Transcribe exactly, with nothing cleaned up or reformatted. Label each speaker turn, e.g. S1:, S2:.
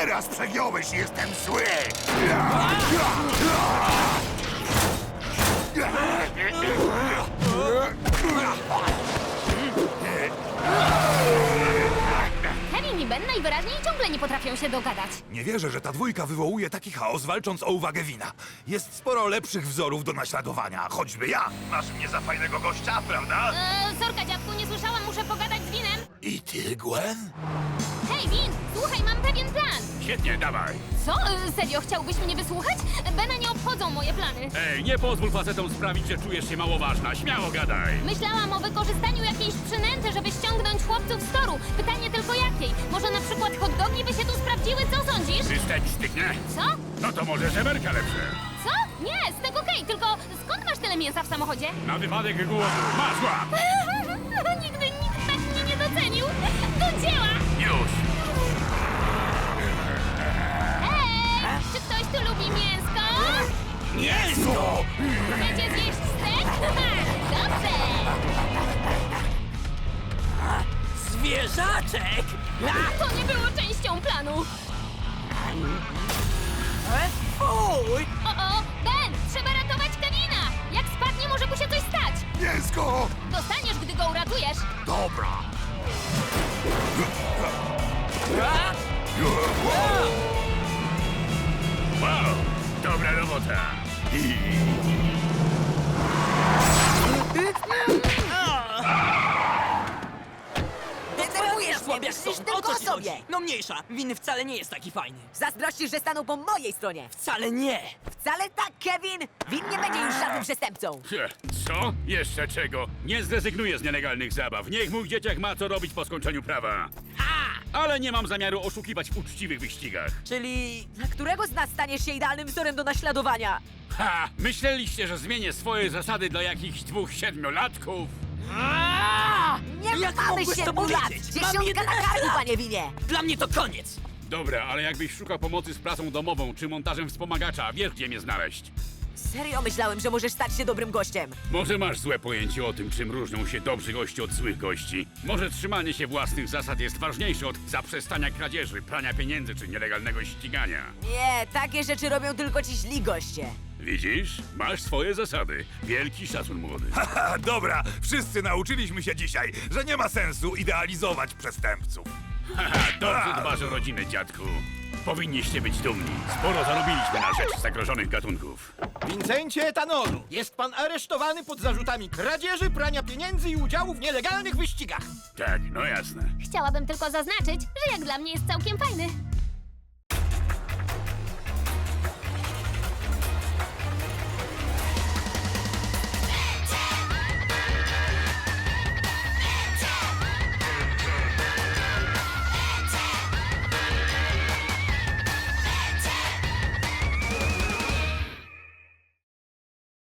S1: Teraz przegiąłeś, jestem zły!
S2: Kevin i Ben najwyraźniej ciągle nie potrafią się dogadać.
S1: Nie wierzę, że ta dwójka wywołuje taki chaos, walcząc o uwagę Wina. Jest sporo lepszych wzorów do naśladowania, choćby ja. Masz mnie za fajnego gościa, prawda?
S2: Eee, sorka, dziadku, nie słyszałam, muszę pogadać z Winem.
S1: I ty, Gwen?
S2: Hej, Win, słuchaj, mam pewien plan.
S3: Świetnie, dawaj.
S2: Co? Eee, serio, chciałbyś mnie wysłuchać? Bena nie obchodzą moje plany.
S3: Ej, nie pozwól facetom sprawić, że czujesz się mało ważna. Śmiało gadaj.
S2: Myślałam o wykorzystaniu jakiejś przynęty, żeby ściągnąć chłopców z toru. Pytanie tylko jakiej? Może na przykład hot dogi by się tu sprawdziły, co sądzisz?
S3: Wystać styknie?
S2: Co?
S3: No to może żeberka lepsze.
S2: Co? Nie, stek okej, tylko skąd masz tyle mięsa w samochodzie?
S3: Na wypadek głodu. Masz łap.
S2: Nigdy nikt tak mnie nie docenił. Do dzieła!
S3: Już.
S2: Ej, czy ktoś tu lubi mięsko?
S1: Mięso!
S2: Chcecie zjeść stek? Dobrze!
S4: Zwierzaczek!
S2: To nie było częścią planu.
S4: Fuj!
S2: O, o, Ben, trzeba ratować Kevina. Jak spadnie, może mu się coś stać.
S1: Mięsko!
S2: Dostaniesz, gdy go uratujesz.
S1: Dobra.
S3: Wow, dobra robota.
S4: Denerwujesz mnie,
S5: Myślisz
S4: Wieszko!
S5: tylko
S4: O co
S5: o
S4: ci
S5: sobie.
S4: chodzi? No mniejsza, Win wcale nie jest taki fajny.
S5: Zazdrościsz, że stanął po mojej stronie.
S4: Wcale nie!
S5: Wcale tak, Kevin! Win nie będzie już żadnym przestępcą.
S3: Cie, Co? Jeszcze czego? Nie zrezygnuję z nielegalnych zabaw. Niech mój dzieciak ma co robić po skończeniu prawa. Ale nie mam zamiaru oszukiwać w uczciwych wyścigach.
S4: Czyli...
S5: Dla którego z nas staniesz się idealnym wzorem do naśladowania?
S3: Ha! Myśleliście, że zmienię swoje zasady dla jakichś dwóch siedmiolatków?
S5: Nie
S4: Jak
S5: mamy
S4: mogłeś to
S5: siedmiu lat!
S4: powiedzieć? Mam
S5: Dziesiątka na
S4: jedenaście
S5: karku,
S4: lat.
S5: panie Winie!
S4: Dla mnie to koniec!
S3: Dobra, ale jakbyś szukał pomocy z pracą domową czy montażem wspomagacza, wiesz gdzie mnie znaleźć.
S5: Serio myślałem, że możesz stać się dobrym gościem.
S3: Może masz złe pojęcie o tym, czym różnią się dobrzy goście od złych gości. Może trzymanie się własnych zasad jest ważniejsze od zaprzestania kradzieży, prania pieniędzy czy nielegalnego ścigania.
S5: Nie, takie rzeczy robią tylko ci źli goście.
S3: Widzisz? Masz swoje zasady. Wielki szacun, młody.
S1: Haha, dobra, wszyscy nauczyliśmy się dzisiaj, że nie ma sensu idealizować przestępców.
S3: Haha, dobrze dbasz o rodzinę, dziadku. Powinniście być dumni. Sporo zarobiliśmy na rzecz zagrożonych gatunków.
S6: Wincencie Etanolu, jest pan aresztowany pod zarzutami kradzieży, prania pieniędzy i udziału w nielegalnych wyścigach.
S3: Tak, no jasne.
S2: Chciałabym tylko zaznaczyć, że jak dla mnie jest całkiem fajny.